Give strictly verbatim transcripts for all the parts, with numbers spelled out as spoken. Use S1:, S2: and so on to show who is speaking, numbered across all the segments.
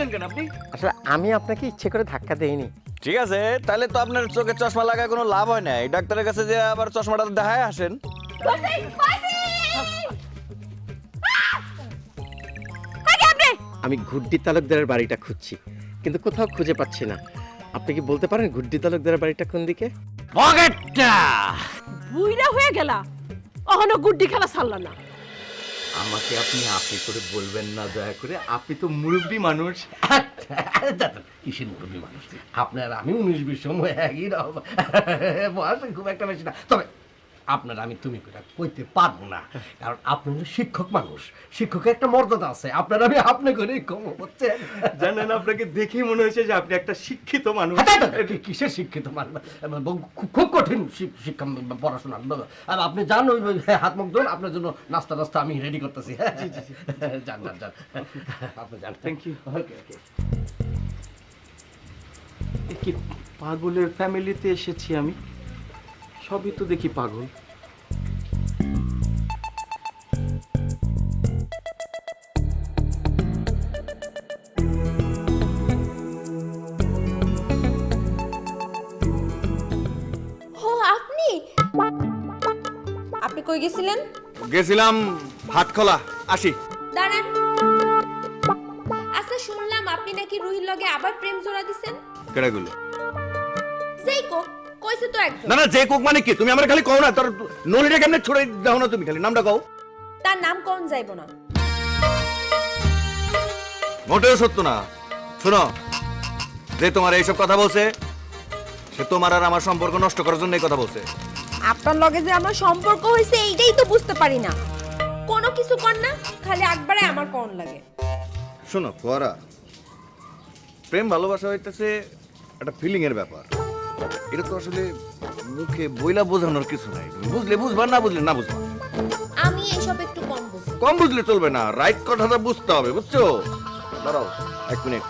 S1: দিলেন কেন আপনি?
S2: আসলে আমি আপনাকে ইচ্ছে করে ধাক্কা দেইনি।
S1: ঠিক আছে, তাহলে তো আপনার চোখে চশমা লাগায় কোনো লাভ হয় না। এই ডাক্তারের কাছে যে আবার চশমাটা দেখায় আসেন।
S2: আমি গুড্ডি তালুকদারের বাড়িটা খুঁজছি, কিন্তু কোথাও খুঁজে পাচ্ছি না। আপনি কি বলতে পারেন গুড্ডি তালুকদারের বাড়িটা কোন দিকে?
S1: পকেটটা
S3: বুইড়া হয়ে গেলা, অহনো গুড্ডি খেলা ছাড়লা না।
S2: আমাকে আপনি আপনি করে বলবেন না দয়া করে, আপনি তো মুরব্বী মানুষ।
S4: কিসের মুরব্বী মানুষ? আপনার আমি উনিশ বিশ সময় একই রকম বয়স খুব একটা বেশি না। তবে আপনার আমি তুমি করে কইতে পারবো না, কারণ আপনি হলো শিক্ষক মানুষ, শিক্ষকের একটা মর্যাদা আছে। আপনার আমি আপনি করে কম হচ্ছে
S2: জানেন, আপনাকে দেখেই মনে হয়েছে যে আপনি একটা শিক্ষিত মানুষ।
S4: কিসের শিক্ষিত মানুষ? খুব কঠিন শিক্ষা পড়াশোনা। আর আপনি জান ওই হাত মুখ ধরুন, আপনার জন্য নাস্তা নাস্তা আমি রেডি করতেছি। যান যান যান আপনি যান।
S2: Thank you. Okay okay. কি পাগলের ফ্যামিলিতে এসেছি আমি? সবই তো দেখি পাগল।
S5: ও আপনি আপনি কই গেছিলেন?
S1: গেছিলাম হাটখোলা, আসি।
S5: দাঁড়ান। আচ্ছা, শুনলাম আপনি নাকি রুহির লগে আবার প্রেম জোড়া দিছেন।
S1: কেডা গুলো?
S5: সেই কো কইছে তো একজন।
S1: না না, যে কোক মানে কি? তুমি আমার খালি কও না, তোর নলিটা কেমনে ছড়ে দাও না, তুমি খালি নামটা কও।
S5: তার নাম কোন যাইবো না।
S1: মোটেও সত্য না। শোনো, যে তোমার এইসব কথা বলছে সে তোমার আর আমার সম্পর্ক নষ্ট করার জন্য এই কথা বলছে।
S5: আপনার লগে যে আমার সম্পর্ক হইছে এইটাই তো বুঝতে পারি না। কোনো কিছু কর না, খালি একবারে আমার কোন লাগে।
S1: শোনো ফোয়ারা, প্রেম ভালোবাসা হইতেছে একটা ফিলিং এর ব্যাপার। এটা তো আসলে মুখে বইলা বোঝানোর কিছু নাই। তুমি বুঝলে বুঝবা, না বুঝলে না বুঝবা।
S5: আমি এইসব একটু কম বুঝি।
S1: কম বুঝলে চলবে না, রাইট কথাটা বুঝতে হবে, বুঝছো? দাঁড়াও এক মিনিট।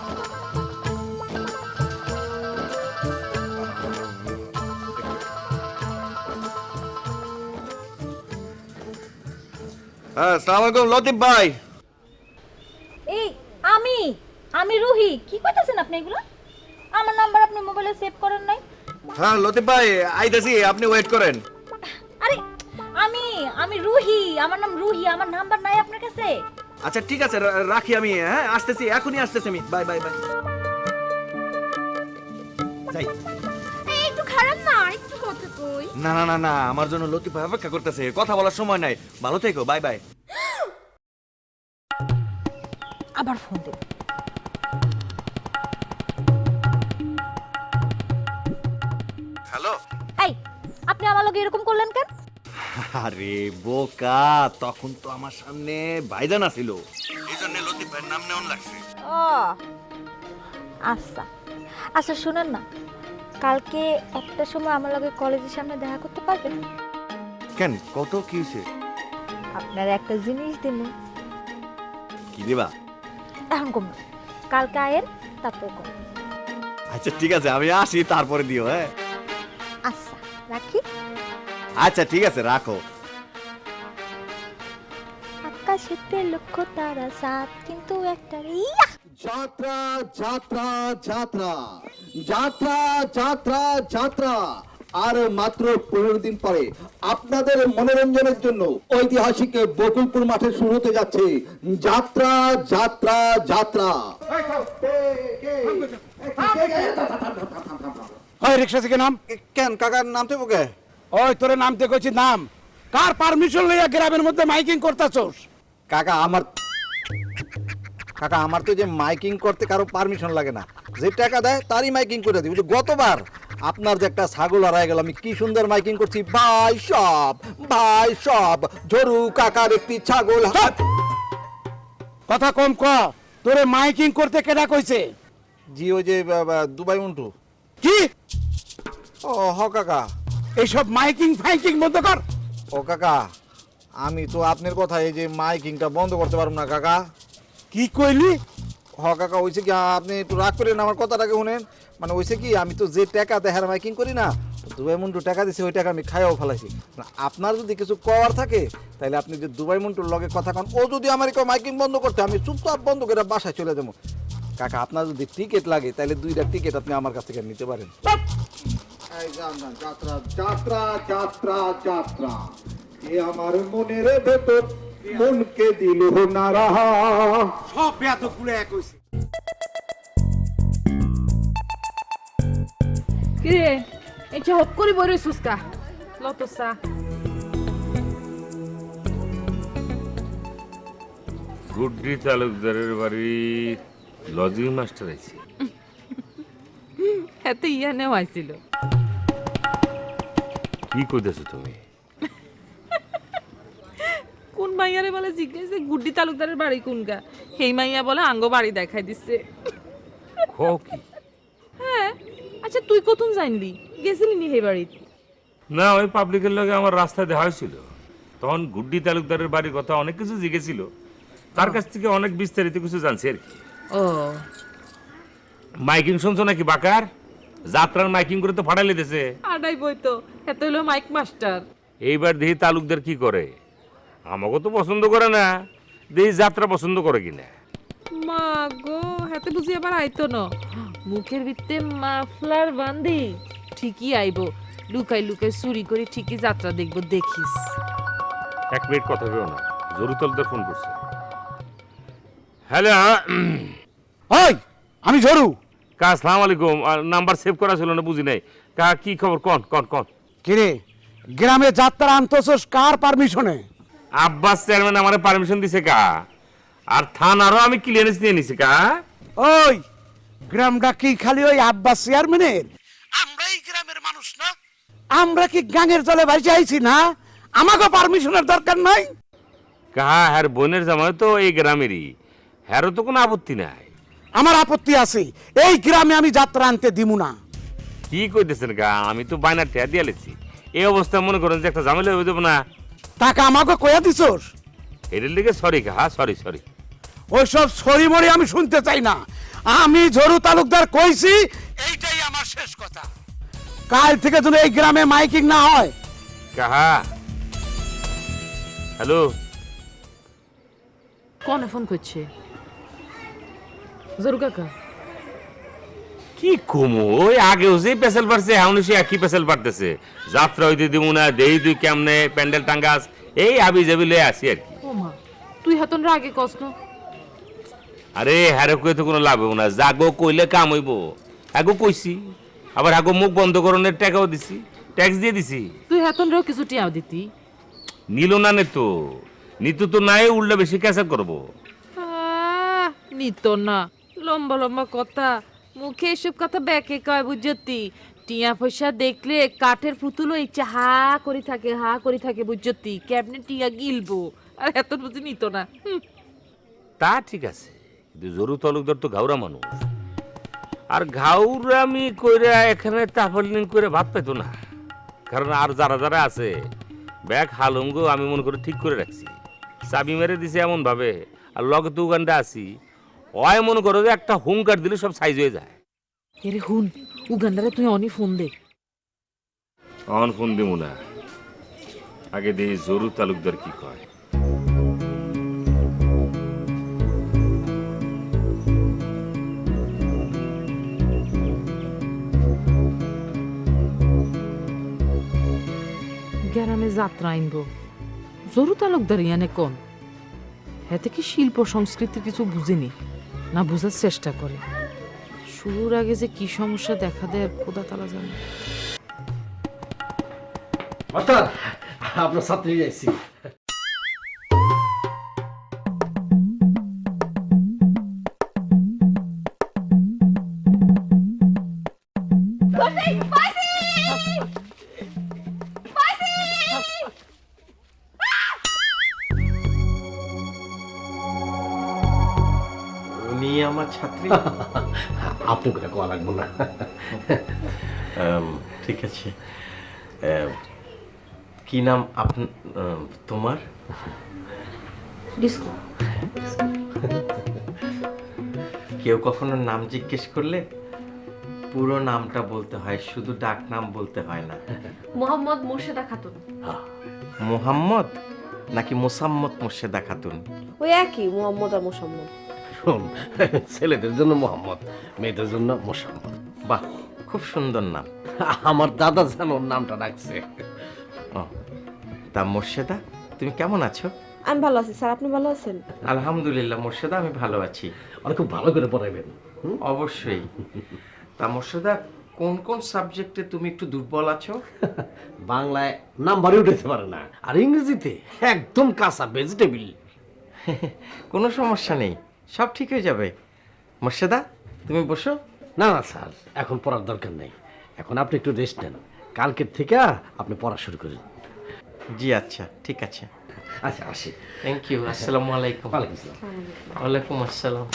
S1: হ্যাঁ, আসসালামু আলাইকুম লতিফ ভাই।
S6: এই আমি আমি রুহি, কি কইতাছেন আপনি এগুলো? আমার নাম্বার আপনি মোবাইলে সেভ করেন নাই?
S1: হ্যাঁ লতিফ ভাই, আইতাছি, আপনি ওয়েট করেন।
S6: আরে আমি আমি রুহি, আমার নাম রুহি, আমার নাম্বার নাই আপনার কাছে?
S1: আচ্ছা ঠিক আছে, রা- রাখি আমি। হ্যাঁ আসতেছি, এখনই আসতেছি আমি। Bye bye bye. যাই।
S5: এই একটু খারাপ না, একটু কথা কই।
S1: না না না না, আমার জন্য লতিফ ভাই অপেক্ষা করতেছে, কথা বলার সময় নাই। ভালো থেকো, বাই বাই।
S6: আবার ফোন দে।
S1: হ্যালো।
S6: এই আপনি আমার লগে এরকম করলেন কেন?
S1: আরে বোকা, তখন তো আমার সামনে ভাইজান ছিল, এই জন্য লতিফ ভাইয়ের নাম নেওয়ান লাগছে।
S6: ও আচ্ছা আচ্ছা, শুনেন না, কালকে একটা সময় আমার লগে কলেজের সামনে দেখা করতে পারবেন?
S1: কেন, কত কি হয়েছে?
S6: আপনার একটা জিনিস দিন।
S1: কি দিবা?
S6: এখন কম না, কালকে আয়েন, তারপর কর।
S1: আচ্ছা ঠিক আছে, আমি আসি, তারপরে দিও। হ্যাঁ
S6: আচ্ছা রাখি।
S1: আচ্ছা ঠিক আছে, রাখো।
S6: আকাশেতে লক্ষ্য তারা সাত, কিন্তু একটা ইয়া
S7: যাত্রা যাত্রা যাত্রা যাত্রা যাত্রা যাত্রা আর মাত্র পনেরো দিন পরে আপনাদের মনোরঞ্জনের জন্য ঐতিহাসিক বকুলপুর মাঠে শুরু হতে যাচ্ছে যাত্রা যাত্রা যাত্রা।
S8: ওই রিক্সা থেকে নাম।
S7: কেন কাকার নামতে বকে?
S8: ওই তোরে নামতে কইছি নাম। কার পারমিশন লইয়া গ্রামের মধ্যে মাইকিং করতাছস?
S7: কাকা আমার কাকা আমার তো যে মাইকিং করতে কারো পারমিশন লাগে না, যে টাকা দেয় তারই মাইকিং করে দিই। গতবার আপনার যে একটা ছাগল হারায় গেল, আমি কি সুন্দর মাইকিং করছি, ভাই সব ভাই সব ঝরু কাকার একটি ছাগল।
S8: কথা কম ক। তোরে মাইকিং করতে কেডা কইছে?
S7: জি ওই যে বা- বা দুবাই মন্টু।
S8: কি?
S7: ও হ কাকা।
S8: এইসব মাইকিং ফাইকিং বন্ধ কর।
S7: ও কাকা, আমি তো আপনার কথা এই যে মাইকিংটা বন্ধ করতে পারবো না কাকা।
S8: কি কইলি?
S7: হ কাকা, হয়েছে কি আপনি একটু রাগ করেন, আমার কথাটাকে শুনেন। মানে হয়েছে কি, আমি তো যে টাকা দেখার মাইকিং করি না, দুবাই মন্টু টাকা দিছে, ওই টাকা আমি খাইয়াও ফেলাইছি। আপনার যদি কিছু করার থাকে তাহলে আপনি যে দুবাই মন্টুর লগে কথা কন, ও যদি আমার কেউ মাইকিং বন্ধ করতে, আমি চুপচাপ বন্ধ করে বাসায় চলে যাবো। কাকা আপনার যদি টিকিট লাগে তাহলে দুইটা টিকিট আপনি আমার কাছ থেকে নিতে পারেন।
S9: এই যান যান, যাত্রা যাত্রা যাত্রা যাত্রা এ আমার মনের ভেতর মনকে দিল না রাহা।
S8: সব বেয়াত গুলো এক হইছে।
S3: কিরে এটা হপ করি বড় সুস্কা লতসা
S10: গুড্ডি তালুকদারের বাড়ি লজিং মাস্টার আছে।
S3: এত ইয়া নেও আইছিল
S10: কি কইতেছো তুমি?
S3: কোন মাইয়ারে বলে জিজ্ঞেসে গুড্ডি তালুকদারের বাড়ি কোনগা, সেই মাইয়া বলে আঙ্গ বাড়ি দেখাই দিচ্ছে।
S10: কও কি?
S3: হ্যাঁ আচ্ছা তুই কতক্ষণ জানলি, গেছিলি নি সেই বাড়িত?
S10: না, ওই পাবলিকের লগে আমার রাস্তায় দেখা হয়েছিল, তখন গুড্ডি তালুকদারের বাড়ির কথা অনেক কিছু জিজ্ঞেছিল, তার কাছ থেকে অনেক বিস্তারিত কিছু জানছি আর কি।
S3: ও
S10: মাইকিং শুনছো নাকি বাকার? যাত্রার মাইকিং করে তো ফাটাই লেতেছে।
S3: আডাই বই তো এত হলো মাইক মাস্টার।
S10: এইবার দেখি তালুকদার কি করে, আমাকে তো পছন্দ করে না, দেখি যাত্রা পছন্দ করে কিনা।
S3: মা গো হাতে বুঝি আবার আইতো না, মুখের ভিতরে মাফলার বান্ধি ঠিকই আইবো, লুকাই লুকাই চুরি করে ঠিকই যাত্রা দেখবো, দেখিস।
S10: এক মিনিট কথা কেউ না, জরুর তালুকদার ফোন করছে। হ্যালো,
S8: ওই আমি ঝরু।
S10: কা আসসালামু আলাইকুম। নাম্বার সেভ করা ছিল না, বুঝি নাই। কা কি খবর? কন কন কন।
S8: কিরে গ্রামে যাত্রা আনতেছস কার পারমিশনে?
S10: আব্বাস চেয়ারম্যান আমারে পারমিশন দিছে কা, আর থানারও আমি ক্লিয়ারেন্স নিয়ে নিছি কা।
S8: ওই গ্রামটা কি খালি ওই আব্বাস চেয়ারম্যানের? আমরা এই গ্রামের মানুষ না, আমরা কি গাঙের জলে ভাসে আইছি না? আমাকে পারমিশনের দরকার নাই।
S10: কা হ্যার বোনের জামাই তো এই গ্রামেরই, হ্যারও তো কোনো আপত্তি নাই।
S8: আমার আপত্তি আছে, এই গ্রামে আমি যাত্রা আনতে দিমু না।
S10: কি কইতেছেন কা? আমি তো বাইনার ঠেয়া দিয়ে লেছি, এই অবস্থায় মনে করেন যে একটা ঝামেলা হয়ে যাবো না।
S8: টাকা আমাকে কয়া দিছস?
S10: এটার লিগে সরি কা, হ্যাঁ সরি সরি।
S8: ওইসব সরি মরি আমি শুনতে চাই না। আমি ঝরু তালুকদার কইছি, এইটাই আমার শেষ কথা। কাল থেকে যেন এই গ্রামে মাইকিং না হয়।
S10: কাহা হ্যালো,
S3: কনে ফোন করছে? জরু কাকা
S10: কি কমু, ওই আগেও যে পেশাল পারছে এখন সে একই পেশাল পারতেছে। যাত্রা হইতে দিব না, দেই তুই কেমনে প্যান্ডেল টাঙ্গাস, এই আবি যাবি লয়ে আসি আর কি।
S3: ও মা তুই হাতন রাগে কস না।
S10: আরে হ্যারে কই তো কোনো লাভ হইব না, জাগো কইলে কাম হইব। আগো কইছি, আবার আগো মুখ বন্ধ করণের টাকাও দিছি, ট্যাক্স দিয়ে দিছি।
S3: তুই হাতন রেও কিছু টিয়াও দিতি?
S10: নিল না নে তো, নিতু তো নাই, উল্টা বেশি ক্যাসার করবো।
S3: আহ, নিত না, লম্বা লম্বা কথা, মুখে এসব কথা ব্যাকে কয় বুঝতি। টিয়া পয়সা দেখলে কাঠের পুতুলও ইচ্ছা হা করে থাকে, হা করে থাকে বুঝতি, কেমনে টিয়া গিলবো, আর এত বুঝি নিত না। হুম,
S10: তা ঠিক আছে, কিন্তু জরু তালুকদার তো ঘাউরা মানুষ, আর ঘাউরামি কইরা এখানে তাফলিং করে ভাত পেতো না। কারণ আর যারা যারা আছে ব্যাগ হালুঙ্গ আমি মনে করে ঠিক করে রাখছি, চাবি মেরে দিছে এমন ভাবে, আর লগে তো উগানটা আছি, ওই মনে করো যে একটা হুঙ্কার দিলে সব সাইজ হয়ে যায়।
S3: এরে হুন, উগান্ডারে তুই অনি ফোন দে।
S10: অন ফোন দিব না, আগে দেখি জরু তালুকদার কি কয়।
S3: গ্রামে যাত্রা আনবো, জরু তালুকদার ইয়ানে কোন, এতে কি শিল্প সংস্কৃতি কিছু বুঝেনি না বুঝার চেষ্টা করে। শুরুর আগে যে কি সমস্যা দেখা দেয় খোদা তালা জানে।
S4: মাস্টার আপনার ছাত্রী যাইছি।
S2: উনি আমার ছাত্রী।
S4: আপনি করে কোয়া লাগবো না।
S2: আম, ঠিক আছে। আম, কি নাম আপন আম, তোমার?
S3: ডিস্কো।
S2: কেউ কখনো নাম জিজ্ঞেস করলে পুরো নামটা বলতে হয়, শুধু ডাক নাম বলতে হয় না।
S3: মোহাম্মদ মোর্শেদা খাতুন।
S2: মোহাম্মদ নাকি মোসাম্মদ মোর্শেদা খাতুন?
S5: ওই একই মোহাম্মদ আর মোসাম্মদ।
S4: শোন, ছেলেদের জন্য মোহাম্মদ, মেয়েদের জন্য মোসাম্মদ।
S2: বাহ, খুব সুন্দর নাম।
S4: আমার দাদা যেন ওর নামটা রাখছে।
S2: ও, তা মোর্শেদা, তুমি কেমন আছো?
S5: আমি ভালো আছি স্যার, আপনি ভালো আছেন?
S2: আলহামদুলিল্লাহ মোর্শেদা, আমি ভালো আছি।
S4: আর খুব ভালো করে পড়াইবেন।
S2: অবশ্যই। তা মোর্শেদা, কোন কোন সাবজেক্টে তুমি একটু দুর্বল আছো?
S4: বাংলায় নাম্বারই উঠাতে পারে না, আর ইংরেজিতে একদম কাঁচা ভেজিটেবিল।
S2: কোনো সমস্যা নেই, সব ঠিক হয়ে যাবে। মোর্শেদা, তুমি বসো।
S4: না না স্যার, এখন পড়ার দরকার নেই, এখন আপনি একটু রেস্ট নেন, কালকের থেকে আপনি পড়া শুরু করেন।
S2: জি আচ্ছা, ঠিক আছে।
S4: আচ্ছা আসি।
S2: Thank you. আসসালামু আলাইকুম।
S4: ওয়ালাইকুম আসসালাম।
S2: ওয়ালাইকুম আসসালাম।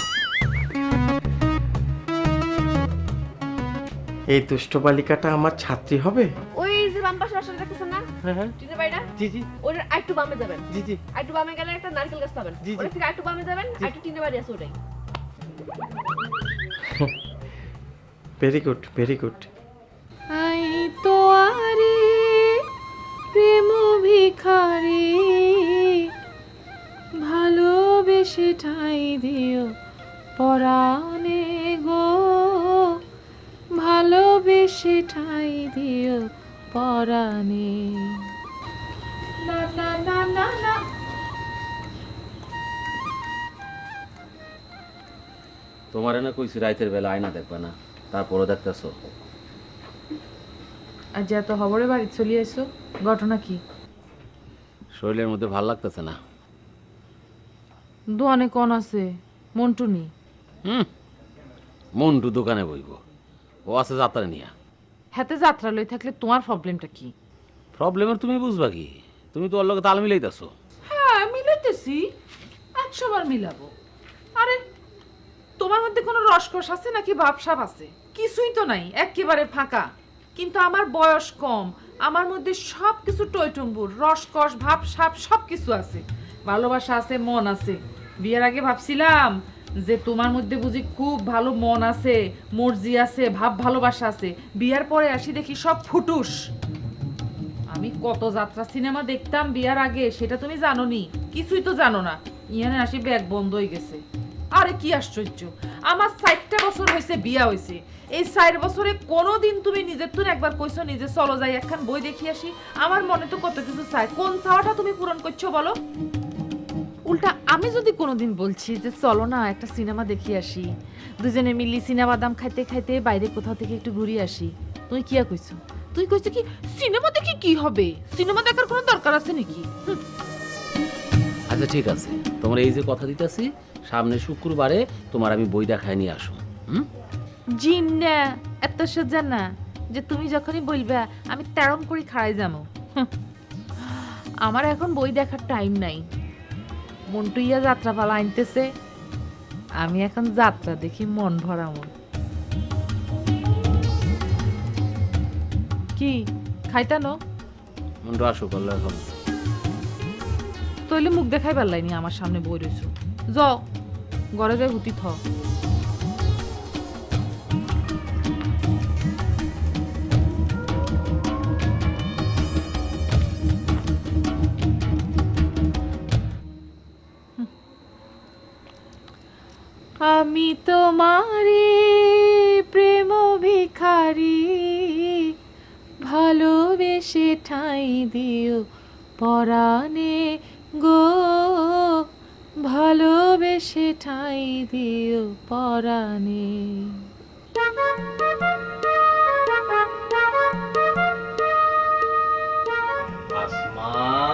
S2: এই দুষ্ট বালিকাটা আমার ছাত্রী হবে?
S5: ওই যে বাম পাশে বাসা দেখতেছেন না, চিনতে পারি না?
S2: জি জি
S5: ওর আরেকটু বামে যাবেন,
S2: জি জি
S5: আরেকটু বামে গেলে একটা নারকেল গাছ পাবেন,
S2: জি, জি।
S5: ওর থেকে আরেকটু বামে যাবেন, আরেকটু টিনে বাড়ি আছে ওটাই।
S2: Very good, very good.
S3: আই তো আরে প্রেম ভিখারি, ভালোবেসে ঠাই দিও পরাণে গো, ভালোবেসে ঠাই দিও পরাণে। না না না না না।
S11: তোমার না কইছি রাতের বেলা আয়না দেখবা না, তারপরও দেখতেছো।
S3: আজ এত খবরে বাড়ি চলে এসো, ঘটনা কি?
S11: শরীরের মধ্যে ভাল লাগতেছে না।
S3: দোয়ানে কোন আছে? মন্টু নি?
S11: হুম, মন্টু দোকানে বইব, ও আছে যাত্রা নিয়া।
S3: হাতে যাত্রা লই থাকলে তোমার প্রবলেমটা কি?
S11: প্রবলেমের তুমি বুঝবা কি? তুমি তো ওর লগে তাল মিলাইতেছো।
S3: হ্যাঁ মিলাইতেছি, একশো বার মিলাবো। আরে তোমার মধ্যে কোনো রসকস আছে নাকি ভাবসাব আছে? কিছুই তো নাই, একেবারে ফাঁকা। কিন্তু আমার বয়স কম, আমার মধ্যে সব কিছু টইটুম্বুর, রসকস ভাবসাব সব কিছু আছে, ভালোবাসা আছে, মন আছে। বিয়ের আগে ভাবছিলাম যে তোমার মধ্যে বুঝি খুব ভালো মন আছে, মর্জি আছে, ভাব ভালোবাসা আছে। বিয়ার পরে আসি দেখি সব ফুটুস। আমি কত যাত্রা সিনেমা দেখতাম বিয়ার আগে, সেটা তুমি জানো নি? কিছুই তো জানো না। ইয়ানে আসি ব্যাগ বন্ধ হয়ে গেছে। আরে কি আশ্চর্য, আমার ষাটটা বছর হয়েছে বিয়া হয়েছে, এই ষাট বছরে কোনোদিন তুমি নিজের তুন একবার কইছো নিজে চলো যাই একখান বই দেখি আসি? আমার মনে তো কত কিছু চাই, কোন চাওয়াটা তুমি পূরণ করছো বলো? উল্টা আমি যদি কোনোদিন বলছি যে চলো না একটা সিনেমা দেখি আসি, দুজনে মিলি সিনেমা দাম খাইতে খাইতে বাইরে কোথাও থেকে একটু ঘুরে আসি, তুই কি কইছো? তুই কইছো কি সিনেমা দেখি কি হবে? সিনেমা দেখার কোনো দরকার আছে নাকি?
S11: আচ্ছা ঠিক আছে, তোমার এই যে কথা দিতেছি, সামনে শুক্রবারে তোমার আমি বই দেখায় নিয়ে আসো। হুম,
S3: জিন্না এত সোজা না যে তুমি যখনই বলবা আমি তেরম করে খাড়াই যাবো। আমার এখন বই দেখার টাইম নাই। মন্টুইয়া যাত্রা পালা আনতেছে, আমি এখন যাত্রা দেখি মন ভরামো। কি খাইতানো?
S11: মন্টু আসো করলো এখন।
S3: তইলে মুখ দেখাই পারলাইনি, আমার সামনে বই রইছো। যাও ঘরে যাই হুতি থ। আমি তোমারে প্রেম ভিখারি, ভালোবেসে ঠাই দিও পরাণে গো, ভালোবেসে ঠাই দিও পরাণে।
S4: আসমা,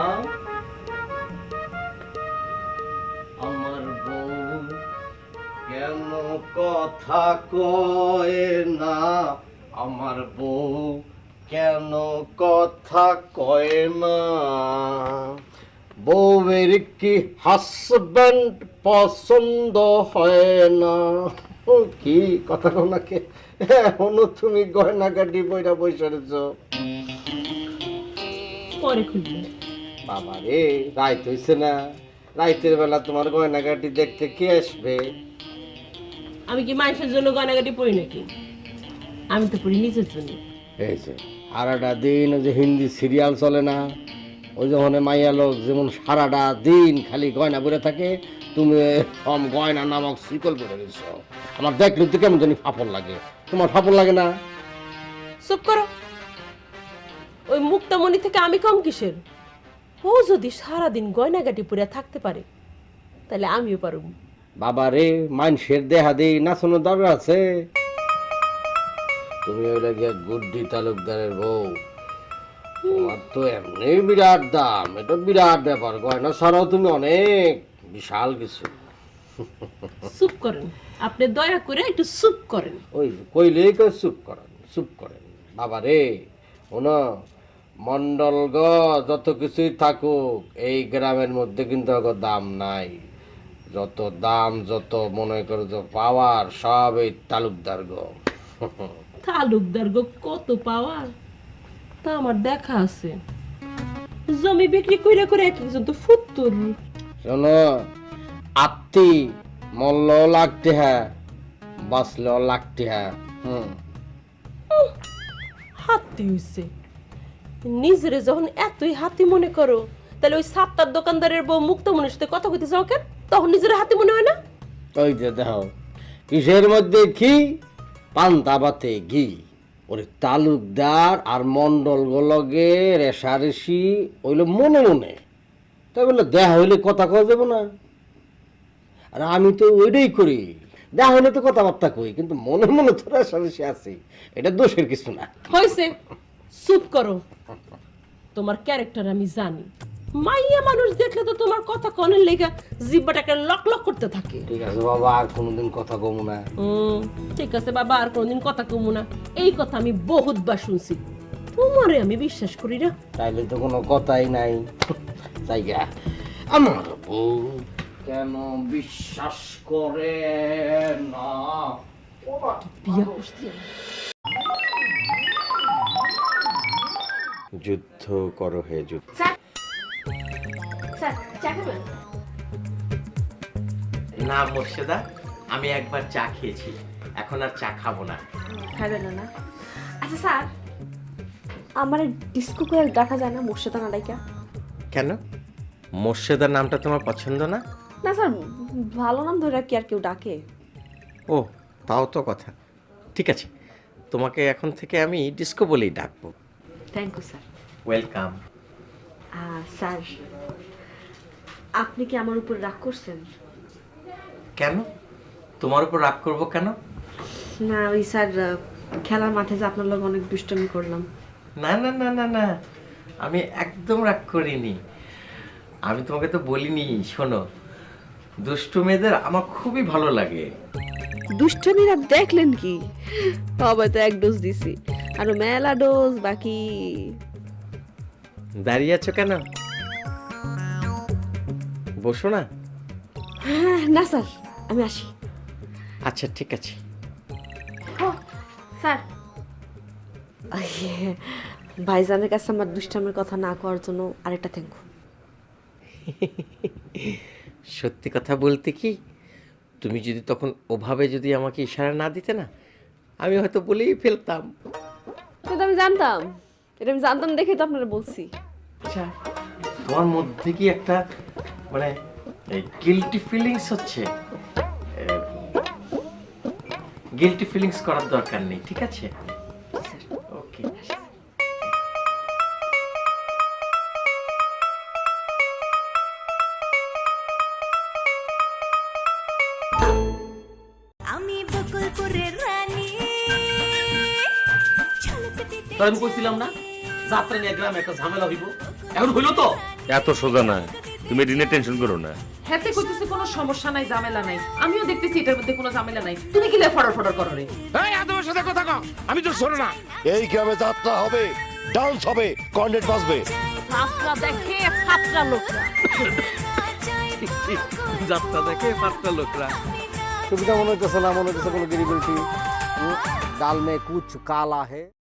S4: আমার বউ কেন কথা কয় না? আমার বউ কেন কথা কয় না? বউয়ের কি হাজব্যান্ড পছন্দ হয় না? ও কি কথা কও নাকি? এখনো তুমি গয়নাগাটি বইরা বসে রেছ।
S3: পরে খুলবে
S4: বাবা রে, রাইত হইছে না, রাইতের বেলা তোমার গয়নাগাটি দেখতে কে আসবে?
S12: আমি কি মানুষের জন্য গয়নাগাটি পড়ি নাকি? আমি তো পড়ি নিজের জন্য।
S4: এই যে সারাটা দিন ওই যে হিন্দি সিরিয়াল চলে না, ওই যখন মাইয়া লোক যেমন সারাটা দিন খালি গয়না পরে থাকে, তুমি সম গয়না নামক শিকল পরে গেছ, আমার দেখলে তো কেমন জানি ফাপড় লাগে। তোমার ফাপড় লাগে না?
S12: চুপ করো। ওই মুক্তামণি থেকে আমি কম কিসের? ও যদি সারাদিন গয়নাগাটি পরে থাকতে পারে তাহলে আমিও পারব।
S4: বাবা রে, মানুষের দেহা দেই নাচানোর দরকার আছে? তুমি ওইটা গিয়ে গুড্ডি তালুকদারের বউ, তোমার তো এমনি বিরাট দাম, এটা বিরাট ব্যাপার। গয়না ছাড়াও তুমি অনেক বিশাল কিছু।
S12: চুপ করেন, আপনি দয়া করে একটু চুপ করেন।
S4: ওই কইলেই কই চুপ করেন, চুপ করেন। বাবা রে, শোনো, মন্ডল গ যত কিছুই থাকুক, এই গ্রামের মধ্যে কিন্তু ওগো দাম নাই। যত দাম, যত মনে করো যে পাওয়ার, সব এই তালুকদার গো।
S12: তালুকদার গো কত পাওয়ার তা আমার দেখা আছে। জমি বিক্রি করে করে এক একজন তো ফুত্তুর।
S4: শোনো, আত্মি মল্লও লাগতে হ্যাঁ, বাঁচলেও লাগতে হ্যাঁ। হুম,
S12: হাতি হইছে। নিজেরে যখন এতই হাতি মনে করো, তাহলে ওই সাতটার দোকানদারের বউ মুক্তমণির সাথে কথা কইতে যাও কেন? তখন নিজের হাতি মনে হয় না?
S4: ওই যে দেখো, কিসের মধ্যে ঘি, পান্তা ভাতে ঘি। ওরে তালুকদার আর মন্ডল গুলগে রেশারেশি ওইলো মনে মনে, তাই বললো দেখা হইলে কথা কওয়া যাবো না? আর আমি তো ওইটাই করি, দেখা হইলে তো কথাবার্তা কই, কিন্তু মনে মনে তো রেশারেশি আছে, এটা দোষের কিছু না।
S12: হইছে, চুপ করো। তোমার ক্যারেক্টার আমি জানি। মাইয়া মানুষ দেখলে তো তোমার কথা কনের লেগা জিব্বাটাকে লক লক করতে থাকে।
S4: ঠিক আছে বাবা, আর কোনোদিন কথা কমু না।
S12: হুম, ঠিক আছে বাবা, আর কোনোদিন কথা কমু না। এই কথা আমি বহুতবার শুনছি, তোমারে আমি বিশ্বাস করি না।
S4: তাইলে তো কোনো কথাই নাই। জায়গা আমার বউ কেন বিশ্বাস করে না?
S12: বিয়া করছি
S2: যুদ্ধ করো হে যুদ্ধ। না মোর্শেদা, আমি একবার চা খেয়েছি, এখন আর চা খাবো না।
S5: খাবে না না? আচ্ছা স্যার, আমার ডিস্কো করে ডাকা যায় না মোর্শেদা না ডাইকা?
S2: কেন, মোর্শেদা নামটা তোমার পছন্দ না?
S5: না স্যার, ভালো নাম ধরে কি আর কেউ ডাকে?
S2: ও, তাও তো কথা। ঠিক আছে, তোমাকে এখন থেকে আমি ডিস্কো বলেই ডাকবো।
S5: Thank you sir.
S2: Welcome.
S5: Sir, আপনি কি আমার উপর রাগ করছেন?
S2: কেন, তোমার উপর রাগ করবো কেন?
S5: না ওই স্যার, খেলার মাঠে যে আপনার লোক অনেক দুষ্টমি করলাম।
S2: না না না না না, আমি একদম রাগ করিনি। আমি তোমাকে তো বলিনি, শোনো, দুষ্টু মেয়েদের আমার খুবই ভালো লাগে।
S5: দুষ্টমির আপ দেখলেন কি? তবে তো এক ডোজ দিছি, আরো মেলা ডোজ বাকি।
S2: দাঁড়িয়ে আছো কেন, বসো না।
S5: না স্যার, আমি আসি।
S2: আচ্ছা ঠিক আছে।
S5: স্যার, ভাইজানের কাছে আমার দুষ্টামের কথা না করার জন্য আরেকটা থ্যাংক ইউ।
S2: সত্যি কথা বলতে কি, তুমি যদি তখন ওভাবে যদি আমাকে ইশারা না দিতে না, আমি হয়তো বলেই ফেলতাম।
S5: কিন্তু আমি জানতাম, এটা আমি জানতাম দেখে তো আপনারা বলছি।
S2: আচ্ছা, তোমার মধ্যে কি একটা মানে গিল্টি ফিলিংস হচ্ছে? গিল্টি ফিলিংস করার দরকার নেই, ঠিক আছে? ওকে।
S13: আমি বকুলপুরের রানী।
S11: আমি কইছিলাম না যাত্রা নিয়ে গ্রামে একটা ঝামেলা হইব, এখন হইলো তো।
S10: এত সোজা না, তুমি এটা নিয়ে টেনশন করো না।
S3: হাতে কইতেছে কোনো সমস্যা নাই, ঝামেলা নাই। আমিও দেখতেছি এটার মধ্যে কোনো ঝামেলা নাই। তুমি কি লে ফড়র ফড়র করো রে?
S8: এই আদমের সাথে কথা কও, আমি তো শোনো না।
S9: এই গ্রামে যাত্রা হবে, ডান্স হবে, কর্নেট বাজবে।
S3: যাত্রা দেখে ফাত্রা লোকরা।
S2: যাত্রা দেখে পাঁচটা লোকরা।
S4: সুবিধা মনে হইতেছে না, মনে হইতেছে কোনো গিরিবিলিটি। ডাল মে কুছ কালা হে।